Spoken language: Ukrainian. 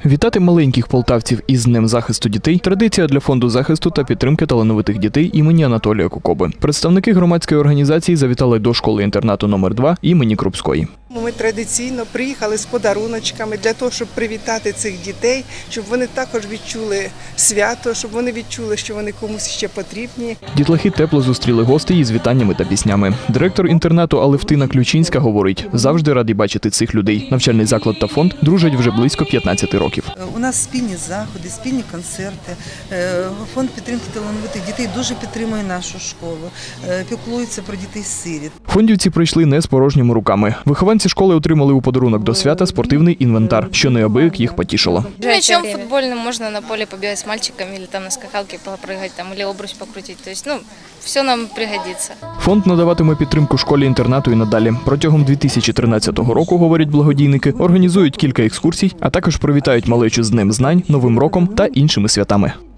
Вітати маленьких полтавців із Днем захисту дітей – традиція для Фонду захисту та підтримки талановитих дітей імені Анатолія Кукоби. Представники громадської організації завітали до школи-інтернату номер 2 імені Крупської. Ми традиційно приїхали з подаруночками для того, щоб привітати цих дітей, щоб вони також відчули свято, щоб вони відчули, що вони комусь ще потрібні. Дітлахи тепло зустріли гостей із вітаннями та піснями. Директор інтернату Алевтина Ключинська говорить, завжди раді бачити цих людей. Навчальний заклад та фонд дружать вже близько 15 років. У нас спільні заходи, спільні концерти. Фонд підтримки талановитих дітей дуже підтримує нашу школу, піклується про дітей-сиріт. Фондівці прийшли не з порожніми руками. Вихованці школи отримали у подарунок до свята спортивний інвентар, що неабияк їх потішило. Мячом футбольным можно на поле побегать с мальчиками или там на скакалке попрыгать, там, или обруч покрутить. То есть, все нам пригодится. Фонд надаватиме підтримку школі-інтернату і надалі. Протягом 2013 року, говорять благодійники, організують кілька екскурсій, а також привітають малечу з Днем знань, Новим роком та іншими святами.